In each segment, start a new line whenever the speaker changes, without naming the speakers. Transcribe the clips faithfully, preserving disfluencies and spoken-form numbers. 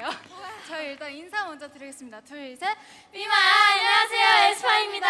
그러니까요. 저희 일단 인사 먼저 드리겠습니다. 둘, 셋.
비마 안녕하세요, 에스파입니다.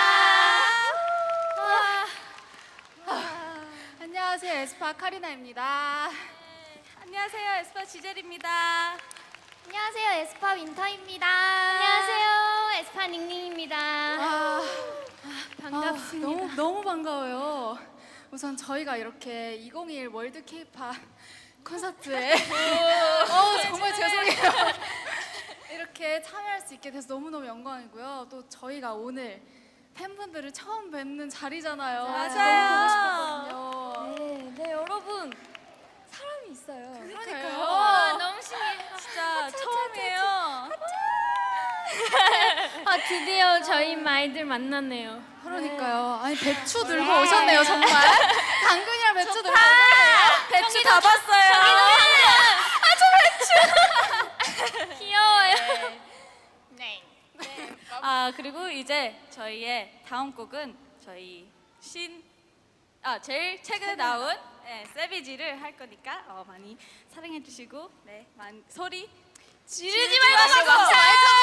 안녕하세요, 에스파 카리나입니다.
네, 안녕하세요, 에스파 지젤입니다.
안녕하세요, 에스파 윈터입니다. 안녕하세요, 에스파 닝닝입니다.
아,
반갑습니다.
아, 너무 너무 반가워요. 우선 저희가 이렇게 이천이십일 월드 케이팝 콘서트에 어, 정말 죄송해요. 이렇게 참여할 수 있게 돼서 너무너무 영광이고요. 또 저희가 오늘 팬분들을 처음 뵙는 자리잖아요.
맞아요.
너무 보고 싶거든요.
네, 네, 여러분 사람이 있어요.
그러니까요.
와, 너무 신기해.
진짜 처음이에요.
아, 드디어 저희 마이들 만났네요.
그러니까요. 아니 배추 들고 오셨네요, 정말. 당근이랑 배추 들고 오셨네요.
배추 다 봤어요.
귀여워요.
네. 아 그리고 이제 저희의 다음 곡은 저희 신, 아 제일 최근에 나온 네, 세비지를 할 거니까 어, 많이 사랑해 주시고 네, 많이 소리
지르지 말고 박수 쳐요.